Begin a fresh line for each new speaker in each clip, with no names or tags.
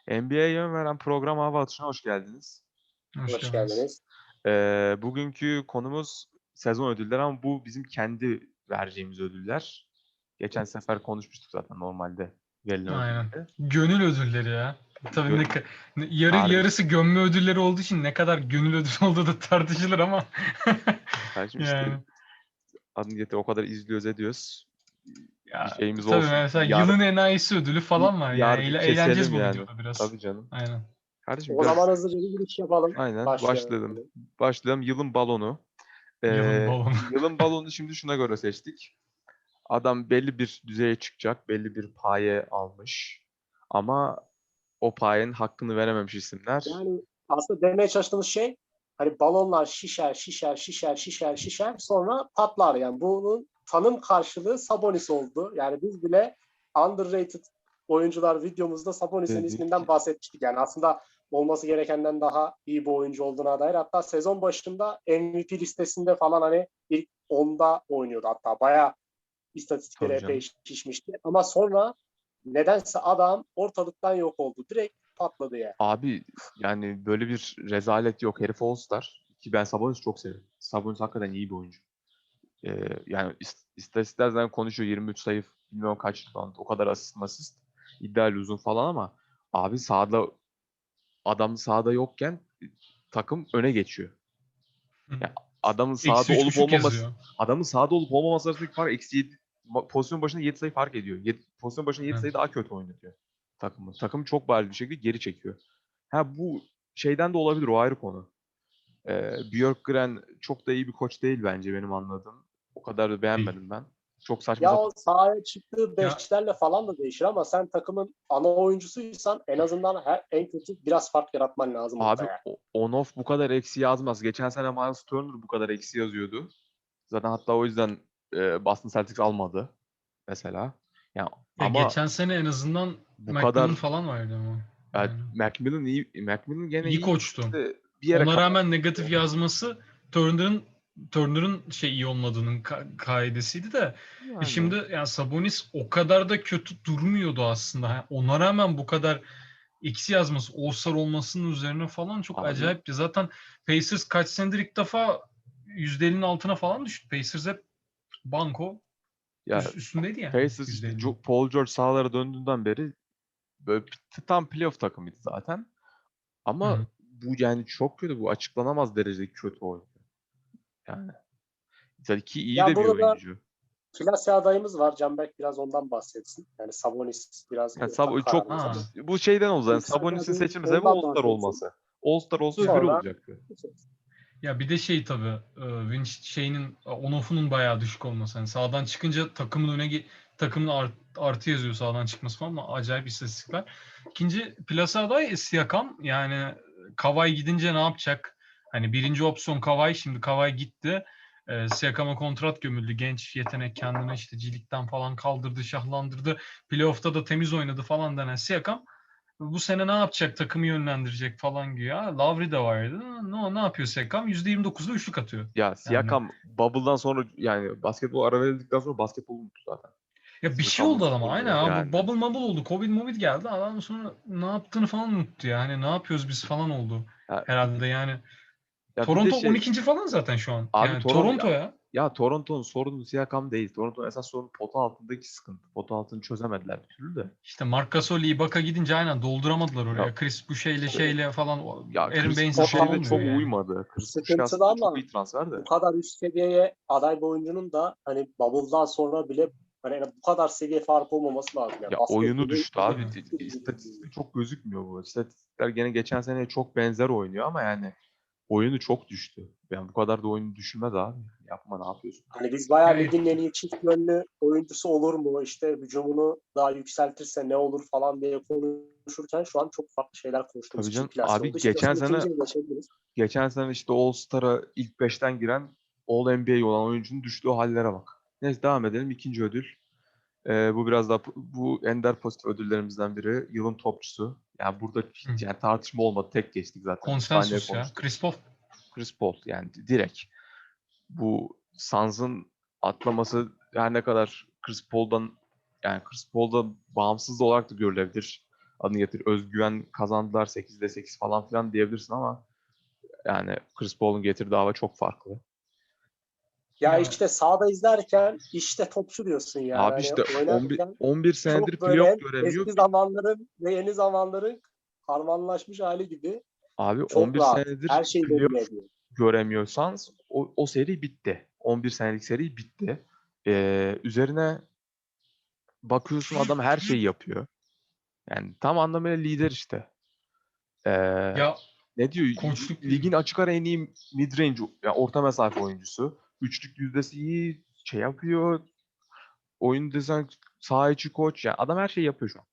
NBA'ye yön veren program Hava Atışı'na hoş geldiniz.
Hoş
Hoş
geldiniz.
geldiniz.
Bugünkü konumuz sezon ödülleri ama bu bizim kendi vereceğimiz ödüller. Geçen sefer konuşmuştuk zaten normalde verilen
Aynen.
ödülleri.
Gönül ödülleri ya. Tabii
Harbi.
yarısı gömme ödülleri olduğu için ne kadar gönül ödülü olduğu da tartışılır ama.
Kardeşim işte
Yani.
adını getir o kadar izliyoruz ediyoruz. Bir
Ya,
şeyimiz
tabii
olsun.
mesela yılın enayisi ödülü falan var. Yani
Bir
eğleneceğiz
keselim
bu
yani.
videoda biraz.
Tabii canım.
Aynen.
Kardeşim
O zaman hızlıca bir giriş yapalım.
aynen
Başlayalım.
başlayalım. Yılın balonu.
Yılın balonu.
Yılın balonu şimdi şuna göre seçtik. Adam belli bir düzeye çıkacak, belli bir paye almış. Ama o payenin hakkını verememiş isimler.
Yani aslında demeye çalıştığımız şey hani balonlar şişer sonra patlar yani. Bunun tanım karşılığı Sabonis oldu. Yani biz bile underrated oyuncular videomuzda Sabonis'in isminden
Dedik.
bahsetmiştik. Yani aslında olması gerekenden daha iyi bir oyuncu olduğuna dair. Hatta sezon başında MVP listesinde falan hani ilk 10'da oynuyordu hatta. Bayağı istatistikleri
Tabii
epey
canım.
şişmişti. Ama sonra nedense adam ortalıktan yok oldu. Direkt patladı ya.
Abi yani böyle bir rezalet yok. Herif All-Star. Ki ben Sabonis'i çok severim. Sabonis hakikaten iyi bir oyuncu. Yani istatistikler zaten konuşuyor. 23 sayı, bilmiyorum kaç rebound, o kadar asist. İdeal uzun falan ama abi adam sahada yokken takım öne geçiyor. Ya adamın sahada
Eksi üç
olup
buçuk
olmaması
yazıyor.
adamın sahada olup olmaması arasındaki fark -7. Pozisyon başına 7 sayı fark ediyor. Pozisyon başına 7 sayı
Evet.
daha kötü oynatıyor takımı. Takım çok bariz bir şekilde geri çekiyor. Ha bu şeyden de olabilir, o ayrı konu. Björkgren çok da iyi bir koç değil bence benim anladığım. O kadar da
Değil.
beğenmedim ben. Çok saçma
Ya
sapan.
o sahaya çıktığı
Ya,
beşlerle falan da değişir ama sen takımın ana oyuncusuysan en azından en kötü biraz fark yaratman lazım orada
Abi
yani.
on-off bu kadar eksi yazmaz. Geçen sene Miles Turner bu kadar eksi yazıyordu. Zaten hatta o yüzden Boston Celtics almadı mesela. Yani ama
geçen sene en azından
bu
McMillan
kadar
falan vardı ama.
yani
Yani.
Macmillan iyi, Macmillan gene
İyi
iyi
koçtu.
de bir yere
Ona
kadar.
rağmen negatif yazması Turner'ın iyi olmadığının kaidesiydi de
Yani
şimdi yani Sabonis o kadar da kötü durmuyordu aslında. Yani ona rağmen bu kadar eksi yazması, All-Star olmasının üzerine falan çok
abi
acayipti. Zaten Pacers kaç senedir ilk defa %50'nin altına falan düştü. Pacers hep banko
ya
üstündeydi yani
Pacers işte
%50'nin.
Paul George sahalara döndüğünden beri böyle tam playoff takımıydı zaten.
Hı
Ama
hı.
bu yani çok kötü. Bu açıklanamaz derecede kötü oyuncu. Yani tabii ki iyi
Ya
de bir
burada da
oyuncu.
Klasya adayımız var. Canberk biraz ondan bahsetsin. Yani Sabonis biraz
Yani
ortak
çok
kararımız ama
bu şeyden oldu. Yani
ilk
Sabonis'in
Sabonis
seçilme sebebi
ondan
All-Star
bahsetsin.
olması. All-Star olsa öbürü
Ya
Sonra
olacaktı.
Ya bir de şey tabii Vince şeyinin on-off'unun bayağı düşük olması. Yani sağdan çıkınca takımın artı yazıyor sağdan çıkması falan ama acayip istatistikler. İkinci plasa aday Siakam. Yani Kawhi gidince ne yapacak? Hani birinci opsiyon Kawhi, şimdi Kawhi gitti. Siakam'a kontrat gömüldü. Genç yetenek kendini işte cilikten falan kaldırdı, şahlandırdı. Playoff'ta da temiz oynadı falan denen Siakam bu sene ne yapacak, takımı yönlendirecek falan güya. Lavri de vardı. Ne yapıyor Sekam? %29'da üçlük atıyor.
Ya
Yani
Siakam Bubble'dan sonra yani basketbol ara verildikten sonra basketbolu unuttu zaten.
ya bir şey
Siakam
oldu adama aynen
unutuldu
abi. Bu
yani.
bubble mubble oldu. Covid geldi. Adam sonra ne yaptığını falan unuttu ya. Hani ne yapıyoruz biz falan oldu.
Ya bir,
Herhalde yani.
bir de
Toronto
şey
12. falan zaten şu an.
abi
Yani Toronto ya.
Toronto'nun sorunu Siakam değil. Toronto'nun esas sorunu pota altındaki sıkıntı. Pota altını çözemediler bir türlü de.
İşte Marc Gasol, Ibaka gidince aynen dolduramadılar
Ya
oraya. Chris bu şeyle falan Aaron
Chris
Baines'le falan
Boucher'le
olmuyor
çok
yani.
uymadı. Chris Boucher
sıkıntılı
aslında çok
ama
iyi transfer
bu
de.
kadar üst seviyeye aday bir oyuncunun da hani Bubble'dan sonra bile hani bu kadar seviye farkı olmaması lazım. Yani
Ya oyunu
basketbolun
düştü abi.
Evet.
İstatistikte çok gözükmüyor bu. İstatistikler gene geçen seneye çok benzer oynuyor ama yani oyunu çok düştü. Yani bu kadar da oyunu düşürmez abi. Yapma, ne yapıyorsun?
hani biz bayağı
Yani
ligin en iyi çift yönlü oyuncusu olur mu? İşte hücumunu daha yükseltirse ne olur falan diye konuşurken şu an çok farklı şeyler konuştuğumuz
Tabii
için
canım.
klasya oldu.
Abi
İstiyorsan ikinciye geçebiliriz.
geçen sene işte All-Star'a ilk beşten giren All-NBA olan oyuncunun düştüğü hallere bak. Neyse devam edelim. İkinci ödül. Bu biraz daha bu ender pozitif ödüllerimizden biri. Yılın topçusu. Yani burada hiç yani tartışma olmadı. Tek geçtik zaten. Bir saniye
konsensus ya.
konuştuk.
Chris Paul.
Chris Paul yani direkt. Bu Suns'ın atlaması her ne kadar Chris Paul'da bağımsız da olarak da görülebilir. adını getir. Özgüven kazandılar 8'de 8 falan filan diyebilirsin ama yani Chris Paul'un getirdiği hava çok farklı.
Ya
Ya,
işte sahada izlerken işte topçu diyorsun yani.
Abi
Hani
işte 11
oynarken
11 senedir
çok böyle
playoff
hem
göremiyor.
eski zamanların ve yeni zamanların harmanlaşmış hali gibi
Abi
çok
11
rahat.
senedir
Her şeyi domine
playoff
ediyor.
göremiyorsanız o seri bitti. 11 senelik seri bitti. Üzerine bakıyorsun adam her şeyi yapıyor. Yani tam anlamıyla lider işte. Ee,
ya
ne diyor?
koçluk
Ligin açık ara en iyi mid-range, yani orta mesafe oyuncusu. Üçlük yüzdesi iyi, şey yapıyor. Oyun dizayn, saha içi koç. Yani adam her şeyi yapıyor şu an.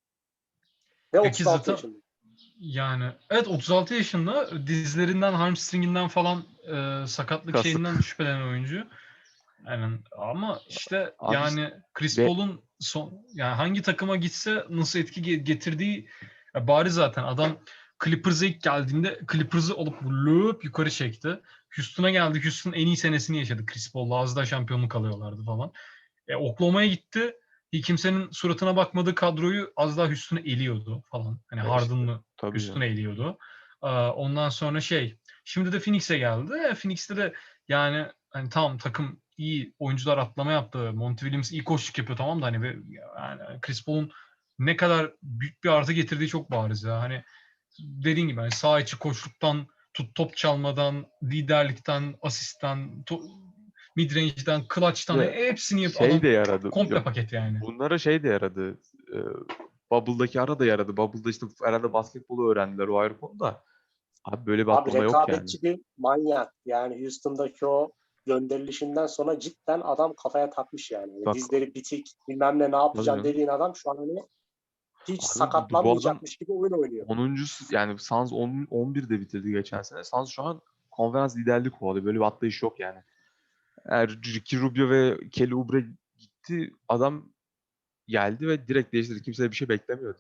Ve
ya ki
36
zaten
yaşında.
yani evet 36 yaşında dizlerinden, hamstringinden falan sakatlık
Kasık.
şeyinden şüphelenen oyuncu. Yani ama işte
Abi işte
yani Chris
ve
Paul'un yani hangi takıma gitse nasıl etki getirdiği bariz zaten. Adam Clippers'a ilk geldiğinde Clippers'ı alıp löp yukarı çekti. Houston'a geldi. Houston'ın en iyi senesini yaşadı Chris Paul'la. Az daha şampiyonluk alıyorlardı falan. Oklahoma'ya gitti. Hiç kimsenin suratına bakmadığı kadroyu az daha Houston'u eliyordu falan. Hani
işte
Harden'lı
tabii
Houston'u
canım.
eliyordu. Ondan sonra şimdi de Phoenix'e geldi. Phoenix'te de yani hani tamam takım iyi oyuncular atlama yaptı. Monty Williams iyi koçluk yapıyor tamam da hani yani Chris Paul'un ne kadar büyük bir artı getirdiği çok bariz ya. Hani dediğin gibi hani saha içi koçluktan top çalmadan, liderlikten, asistten, midrange'den, clutch'tan
Ve
hepsini
şey
adam
de yaradı.
komple
Ya
paket yani.
bunlara şey de yaradı. Ee, Bubble'daki ara da yaradı. Bubble'da işte herhalde basketbolu öğrendiler, o ayrı konu da. Abi böyle bir
Abi
atlama yok yani.
rekabetçi bir manyak. Yani Houston'daki o gönderilişinden sonra cidden adam kafaya takmış yani. Yani
Bak,
dizleri bitik, bilmem ne
tabii
yapacağım
canım.
dediğin adam şu an hani hiç
Abi bu adam
sakatlanmayacakmış gibi oyun oynuyor.
10. Yani Suns 11'de bitirdi geçen sene. Suns şu an konferans liderliği kovalıyor. Böyle bir atlayış yok yani. Eğer Ricky Rubio ve Kelly Oubre gitti, adam geldi ve direkt değiştirdi. Kimse de bir şey beklemiyordu.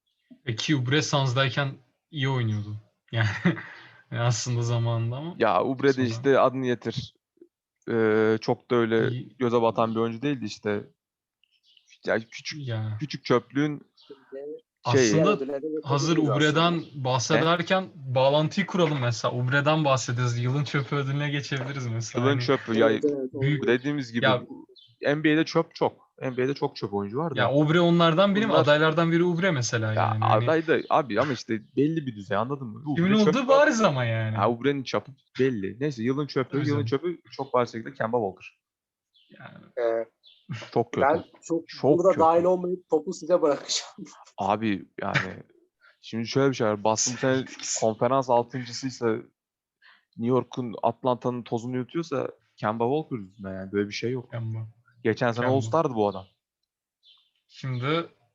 Ki Oubre Suns'dayken iyi oynuyordu. Yani aslında zamanında ama
Ya Oubre de
sonra
işte adını getir. Çok da öyle
iyi
göze batan bir oyuncu değildi işte. Yani küçük
ya.
küçük çöplüğün şeyi.
Diğer
Aslında
ödüllere
hazır
geçebiliriz aslında.
Ubre'den
Ne?
bahsederken bağlantıyı kuralım mesela. Ubre'den bahsediyoruz. Yılın çöpü ödülüne geçebiliriz mesela.
Yılın
Hani
çöpü. Ya
Evet evet
büyük
olabilir.
dediğimiz gibi
ya
NBA'de çöp çok. NBA'de çok çöp oyuncu var
ya
da.
Ubre onlardan biri mi?
Bunlar
Adaylardan biri Ubre mesela
ya
yani. Hani
aday da abi ama işte belli bir düzey, anladın mı?
kimin
Oubre
olduğu
çöp var.
bariz ama
Ya
yani.
Oubre'nin çapı belli. Neyse yılın çöpü.
Tabii
Yılın
canım.
çöpü çok bariz şekilde Kemba Walker.
Yani
Ee,
Çok kötü.
ben çok
Çok
burada dahil
kötü.
olmayıp topu size bırakacağım.
Abi yani şimdi şöyle bir şey var. Boston bu sene konferans altıncısıysa, New York'un, Atlanta'nın tozunu yutuyorsa Kemba Walker yüzünden, yani böyle bir şey yok.
Kemba.
Geçen sene
Kemba.
All-Star'dı bu adam.
Şimdi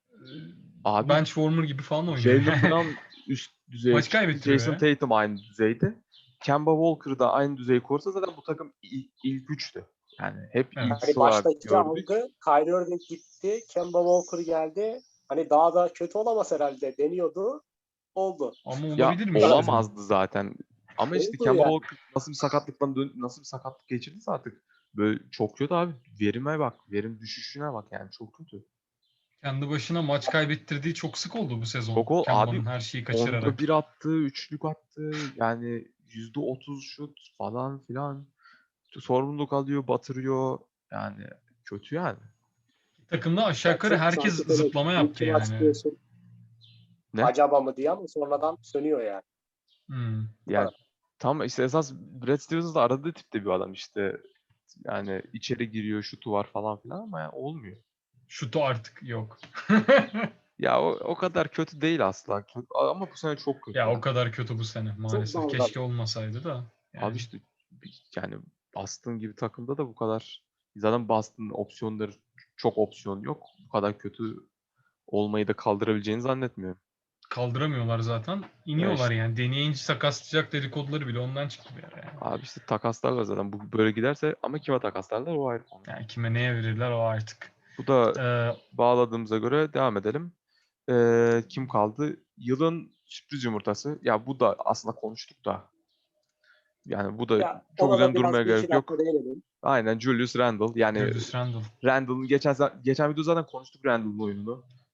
Abi
bench warmer gibi falan oynuyor
Jaylen
yani.
Brown üst düzeye
Maç
çıktı.
kaybettiriyor
Jason
ya.
Tatum aynı düzeyde. Kemba Walker da aynı düzeyi korsa zaten bu takım ilk üçtü. Yani hep ilk
Evet.
üç
Hani
olarak
baştaki
gördük.
algı Kyrie Irving gitti, Kemba Walker geldi. Hani daha da kötü olamaz herhalde deniyordu. Oldu.
Ama
Ya
olabilirmiş dedim.
olamazdı zaten. Ama işte
Oldu
Kemba
yani.
Walker nasıl bir sakatlık geçirdiyse artık böyle çok kötü abi. Verime bak. Verim düşüşüne bak, yani çok kötü.
Kendi başına maç kaybettirdiği çok sık oldu bu sezon.
Çok abi,
Kemba'nın her şeyi
onda
kaçırarak.
bir attı, üçlük attı. Yani %30 şut falan filan. Sorumluluk alıyor, batırıyor. Yani kötü yani.
Takımda aşağı
Ya
yukarı
çok
herkes
sanki böyle
zıplama
bir
yaptı
iki maç
yani.
diyorsun
Ne?
acaba mı diye ama sonradan sönüyor yani.
Hmm.
Bu
Yani
kadar.
tam işte esas Brad Stevens da aradığı tipte bir adam işte. Yani içeri giriyor, şutu var falan filan ama yani olmuyor.
Şutu artık yok.
Ya o kadar kötü değil asla. Ama bu sene çok kötü
Ya o
yani.
kadar kötü bu sene
Çok
maalesef.
dalgalı.
Keşke olmasaydı da.
Abi
Yani
işte yani Boston gibi takımda da bu kadar, zaten Boston'ın opsiyonları, çok opsiyon yok. Bu kadar kötü olmayı da kaldırabileceğini zannetmiyorum.
kaldıramıyorlar zaten.
Ya
İniyorlar
işte
yani. Deneyince sakatlayacak dedikoduları bile ondan çıktı bir ara yani.
abi işte takaslarlar zaten. Bu böyle giderse, ama kime takaslarlar o ayrı konu.
Yani kime neye verirler o artık.
Bu da
Ee,
bağladığımıza göre devam edelim. Kim kaldı? Yılın sürpriz yumurtası. Ya bu da aslında konuştuk da. Yani bu da
Ya
çok
ona da
üzerine
biraz
durmaya
bir iki
gerek
dakika
yok.
değinelim.
Aynen Julius Randle. Yani
Julius Randle.
Randle'ın geçen video zaten konuştuk, Randle'ın oyununu.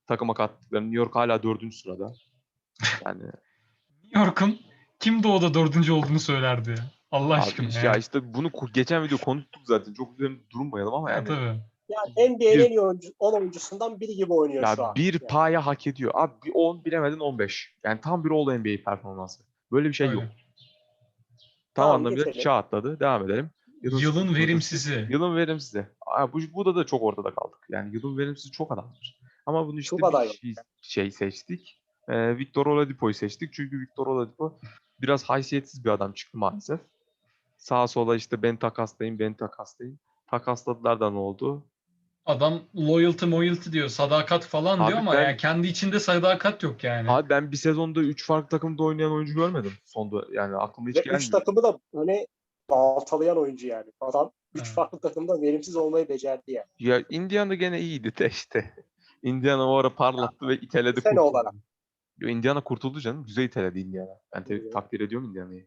takıma kattıkları. New York hala 4. sırada. Yani
New York'un kim doğuda 4. olduğunu söylerdi ya. Allah aşkına
abi
ya.
ya işte bunu geçen video konuştuk zaten. Çok üzerinde durmayalım ama
Ya
yani
tabii.
Yani NBA'nin
bir,
en iyi 10 oyuncusundan biri gibi oynuyor şu
ya
an.
bir
Yani.
paya hak ediyor. Abi bir 10 bilemedin 15. Yani tam bir All NBA performansı. Böyle bir şey yok.
Öyle.
Tam
Tamam,
anlamıyla
geçelim.
çağ atladı. Devam edelim.
Yılın
Statistics.
verimsizi.
Yılın verimsizi. Bu da çok ortada kaldık. Yani yılın verimsizi çok adamdır. Ama bunu işte
Çok aday var.
şey seçtik. Victor Oladipo'yu seçtik. Çünkü Victor Oladipo biraz haysiyetsiz bir adam çıktı maalesef. Sağa sola işte ben takaslayın. Takasladılar da ne oldu?
Adam loyalty diyor, sadakat falan diyor
Abi
ama yani kendi içinde sadakat yok yani.
ben bir sezonda 3 farklı takımda oynayan oyuncu görmedim. Sonda yani aklıma hiç
Ve 3
gelmiyor.
takımı da öne baltalayan oyuncu yani. Adam 3
Evet.
farklı takımda verimsiz olmayı becerdi yani.
Ya Indiana gene iyiydi de işte. Indiana o ara parlattı ve iteledi
Sene
kurtuldu.
olarak.
Yo, Indiana kurtuldu canım. Güzel iteledi Indiana. Ben takdir ediyorum Indiana'yı.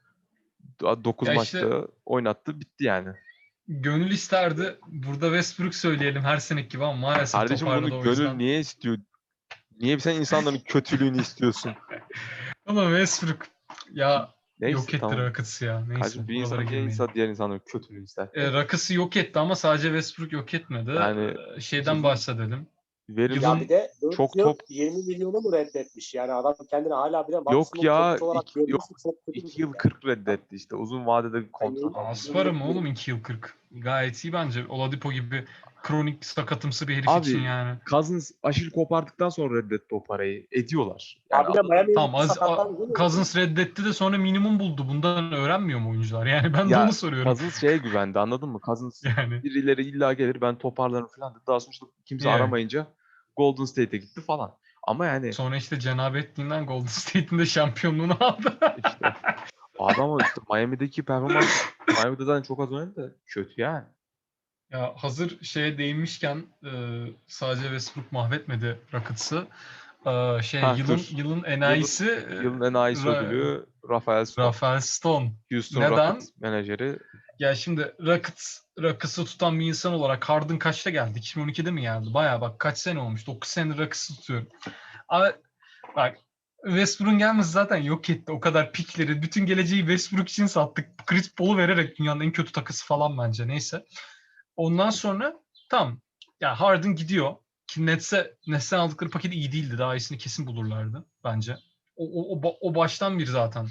9
Ya işte
maçta oynattı bitti yani.
gönül isterdi. Burada Westbrook söyleyelim her seneki gibi ama maalesef
Kardeşim
toparladı
bunu
o
gönül
yüzden.
niye istiyor? Niye sen insanların kötülüğünü istiyorsun?
Ama Westbrook ya
Neyse
yok etti
tamam.
Rockets'ı ya. Neyse
Kardeşim bir
buralara
insan niye
girmeyelim.
diğer insanların kötülüğünü ister?
Rockets'ı yok etti ama sadece Westbrook yok etmedi.
Yani
Şeyden
yılın
bahsedelim.
Ya
verimsiz
bir
Yılın
de 4
çok
yıl
top
20 milyonu mu reddetmiş? Yani adam kendini hala bile
yok
maksimum
ya
topçu olarak
yok
görmesi çok kötü bir
2
şey
yıl
yani.
40 reddetti işte. Uzun vadede bir kontrat aldı.
Asparım mı oğlum 2 yıl 40? Gayet iyi bence. Oladipo gibi kronik sakatımsı bir herif için
Abi
yani.
Cousins aşil kopardıktan sonra reddetti o parayı. Ediyorlar. Yani
Abi de Miami'ye
Tamam
gitti sakatlandı değil mi?
Cousins reddetti de sonra minimum buldu. Bundan öğrenmiyor mu oyuncular? Yani ben de
ya
onu soruyorum.
Cousins şeye güvendi anladın mı? Cousins
Yani
birileri illa gelir ben toparlarım falan dedi. Daha sonra işte kimse
yeah.
aramayınca Golden State'e gitti falan. Ama yani
Sonra işte cenabetliğinden Golden State'in de şampiyonluğunu aldı.
işte abi ama işte Miami'deki performans Miami'de zaten çok az oynadı da kötü yani.
Ya hazır şeye değinmişken sadece Westbrook mahvetmedi Rockets'ı.
Ha
Yılın
dur.
yılın
Yılın
enayisi
yılın en iyisi ödülü Rafael Stone.
Rafael Stone.
Houston
Neden?
Rockets menajeri.
Ya şimdi Rockets'ı tutan bir insan olarak Harden kaçta geldi? 2012'de mi geldi? Bayağı bak kaç sene olmuş? 9 senedir Rockets'ı tutuyorum. Ama bak Westbrook'un gelmesi zaten yok etti. O kadar pikleri. Bütün geleceği Westbrook için sattık. Chris Paul'u vererek dünyanın en kötü takısı falan bence. Neyse. Ondan sonra tamam. Ya Harden gidiyor. Ki Nets'ten aldıkları paket iyi değildi. Daha iyisini kesin bulurlardı bence. O baştan bir zaten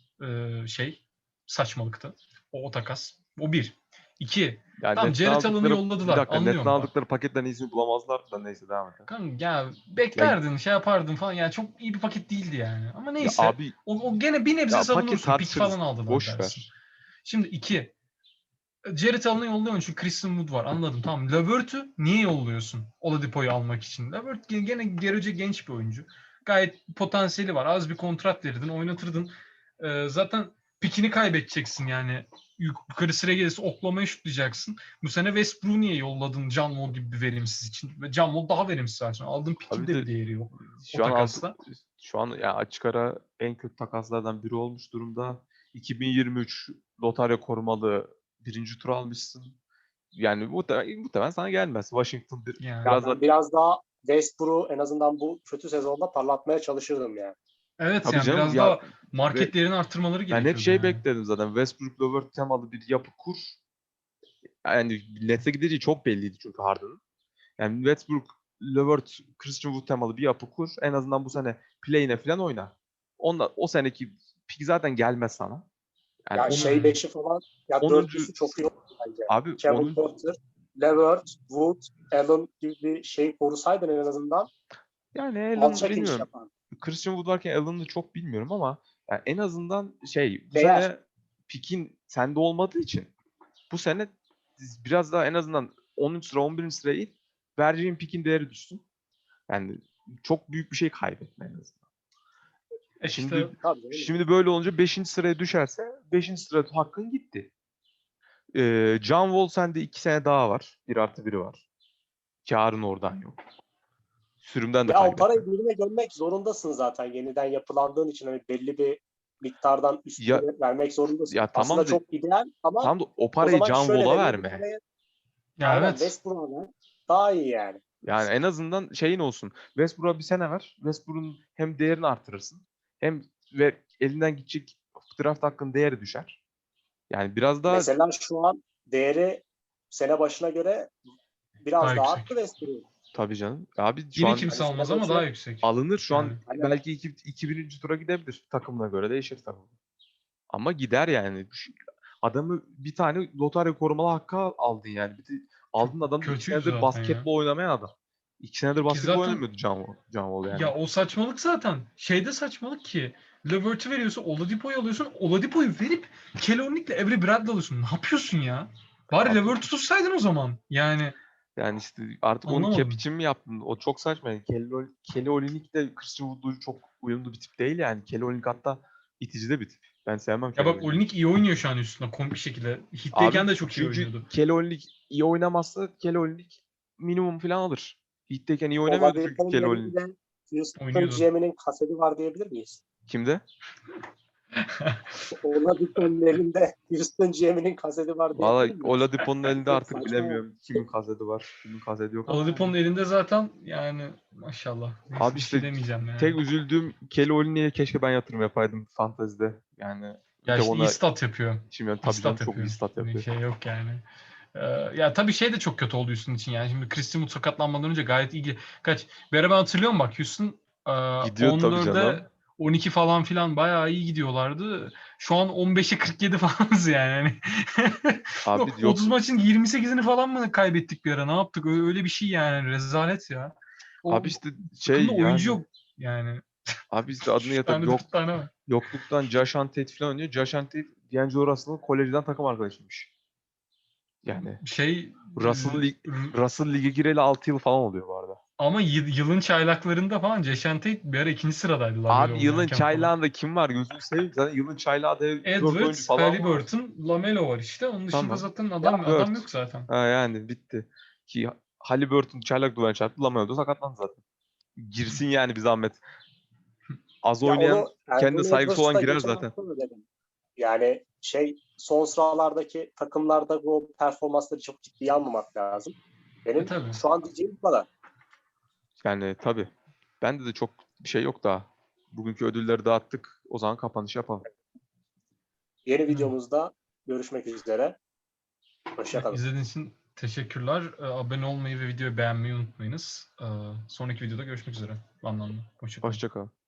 saçmalıktı. O takas. O bir. İki.
Yani
Tamam
netten
Jared Allen'ı
aldıkları bir
yolladılar.
dakika netten
Anlıyorum bak.
aldıkları paketten iyisini bulamazlar da neyse devam et.
Kanka ya
Ya,
beklerdin şey yapardın falan. Yani çok iyi bir paket değildi yani. Ama
ya
neyse.
abi
O gene bir nebze
ya paket
savunursun. Pik
tartışırız.
falan aldılar
Boş
dersin.
ver.
Şimdi iki. Jared Allen'ı yolluyorsun çünkü Christian Wood var. Anladım. Tamam. Levert'ü niye yolluyorsun? Oladipo'yu almak için. Levert gene görece genç bir oyuncu. Gayet potansiyeli var. Az bir kontrat verirdin, oynatırdın. Zaten pikini kaybedeceksin yani. Yukarı sıra gelirse oklamaya şutlayacaksın. Bu sene Westbrook'u niye yolladın John Wall gibi bir verimsiz için? Ve John Wall daha verimsiz zaten. Aldığın pikin
Abi
de
de
bir değeri yok o
şu an
takasla.
şu an ya açık ara en kötü takaslardan biri olmuş durumda. 2023 lotarya korumalı birinci tur almışsın. Yani muhtemelen sana gelmez. Washington
Yani.
Ya
biraz da
ben biraz daha Westbrook'u en azından bu kötü sezonda parlatmaya çalışırdım yani.
Evet
tabii
yani
canım
biraz
ya
daha market değerini arttırmaları
ben hep
gerekiyordu
şey
yani.
bekledim zaten. Westbrook Levert temalı bir yapı kur. Yani Nets'e gideceği çok belliydi çünkü Harden'ın. Yani Westbrook, Levert, Christian Wood temalı bir yapı kur. En azından bu sene play'ine falan oyna. O seneki pik zaten gelmez sana. Yani
Ya şey
Hmm.
beşi falan ya
10.
dörtlüsü çok iyi oldu bence.
Abi
Kevin
10.
Porter, Levert, Wood, Allen gibi bir şey korusaydın en azından
Yani Allen
alçak iniş
bilmiyorum.
yapardın.
Christian Wood varken Allen'ı çok bilmiyorum ama yani en azından bu
Değer.
sene pikin sende olmadığı için bu sene biraz daha en azından 10. sıra 11. sıraya in. Vereceğin pikin değeri düşsün. Yani çok büyük bir şey kaybetme en azından.
İşte
Tabii canım.
Şimdi böyle olunca 5. sıraya düşerse 5. sırada hakkın gitti. John Wall sende 2 sene daha var. 1+1 var. Kârın oradan yok. Sürümden de
Ya o
kaybetme.
parayı birine gömmek zorundasın zaten. Yeniden yapılandığın için hani belli bir miktardan
Ya
üstüne vermek zorundasın.
ya
Aslında
tamam da
çok ideal ama
o
o
parayı
zaman
John
şöyle
Wall'a
veriyor bu
verme.
parayı.
ya
Aynen
evet.
Westbrook'a ver. Daha iyi yani.
Yani en azından şeyin olsun. Westbrook'a bir sene ver. Westbrook'un hem değerini artırırsın hem ve elinden gidecek draft hakkının değeri düşer. Yani biraz daha
Mesela şu an değeri sene başına göre
Daha
biraz daha
yüksek.
arttı Westbrook'un.
tabii canım. Abi şu
Yine
an
kimse
Hani
almaz
sene
ama daha
başına
yüksek.
alınır. Şu
Yani.
an
aynen.
belki 2000. tura gidebilir. Takımına göre değişir tabii. Ama gider yani. Adamı bir tane lotarya korumalı hakkı aldın yani.
Çok
Aldın adamı 2
kötüydü
senedir
zaten ya.
basketbol oynamayan adam. 2 senedir
Ki
basketbol
zaten
oynamıyordu John Wall yani.
ya o saçmalık zaten. Şeyde saçmalık ki. Levert'ı veriyorsun, Oladipo'yu alıyorsun. Oladipo'yu verip Kelly Olynyk'le Avery Bradley alıyorsun. Ne yapıyorsun ya? Bari
Abi,
Levert'ı tutsaydın o zaman. Yani
yani işte artık onu cap
anlamadım.
için mi yaptın? O çok saçma. Yani Kelly Olynyk de Christian Wood'u çok uyumlu bir tip değil yani. Kelly Olynyk hatta itici de bir tip. Ben sevmem
Ya
Kelly
bak
Olynyk'ı.
Olinik iyi oynuyor şu an üstüne komik bir şekilde.
Abi
Hit'teyken de çok iyi
çünkü
oynuyordu.
Kelly Olynyk iyi oynamazsa Kelly Olynyk minimum falan alır. Heat'teyken iyi oynamıyordu çünkü
Oladipo'nun
Kelly Olynyk.
elinde Houston
Oynuyordu.
GM'nin kaseti var diyebilir miyiz?
Kimde?
Oladipo'nun elinde Houston GM'nin kaseti var
Valla
diyebilir miyiz?
Oladipo'nun elinde
Çok
artık
saçma ya.
bilemiyorum kimin kaseti var, kimin kaseti yok ama
Oladipo'nun
yani.
elinde zaten yani maşallah. Neyse
Abi
bir şey
işte
demeyeceğim yani.
tek üzüldüğüm Kelly Olynyk'e keşke ben yatırım yapaydım fantezide. Yani bir
Ya
tek
işte iyi
ona
stat yapıyor.
içim yani
İyi
tabii canım
stat
çok iyi
yapıyor.
stat
Bir
yapıyor.
şey yok yani. Ya tabii şey de çok kötü oldu Houston için yani. Şimdi Christian Wood sakatlanmadan önce gayet iyi. Bir ara ben hatırlıyorum bak Houston
Gidiyor tabii
14'e
canım.
12 falan filan bayağı iyi gidiyorlardı. Şu an 15'e 47 falanız yani.
Abi yok
30 maçın 28'ini falan mı kaybettik bir ara? Ne yaptık? Öyle bir şey yani. Rezalet ya.
abi
O
işte
takımda
şey
oyuncu
yani
yok yani.
abi işte adını
3
yatıp
tane 4 tane var.
yokluktan Josh Tate falan oynuyor. Josh Tate D'Angelo Russell'ın kolejden takım arkadaşıymış. Yani
Şey
Russell, lig, Russell lige gireli 6 yıl falan oluyor bu arada.
ama yılın çaylaklarında falan Jason Tate bir ara ikinci sıradaydı Lamelo
Abi yılın
oynarken falan.
çaylağında kim var gözünü seveyim. Zaten yılın çaylağı da 4 oyuncu
Edwards,
falan var.
Haliburton, Lamelo var işte. Onun dışında
Tamam.
zaten adam
Dört.
yok zaten.
Ha yani bitti. Ki Haliburton çaylak duvarına çarptı. Lamelo da sakatlandı zaten. Girsin yani bir zahmet. Az
Ya
oynayan
onu
kendine
Anthony
saygısı olan
Edwards'ta
girer
geçen
zaten.
hafta mı dedim? Yani son sıralardaki takımlarda bu performansları çok ciddiye almamak lazım. Benim
Tabii.
şu an diyeceğim bu kadar.
Yani tabii. Bende de çok bir şey yok daha. Bugünkü ödülleri dağıttık. O zaman kapanış yapalım.
Yeni videomuzda görüşmek üzere. Hoşçakalın.
İzlediğiniz için teşekkürler. Abone olmayı ve videoyu beğenmeyi unutmayınız. Sonraki videoda görüşmek üzere. Anlamlı. Hoşçakalın.
Hoşça kal.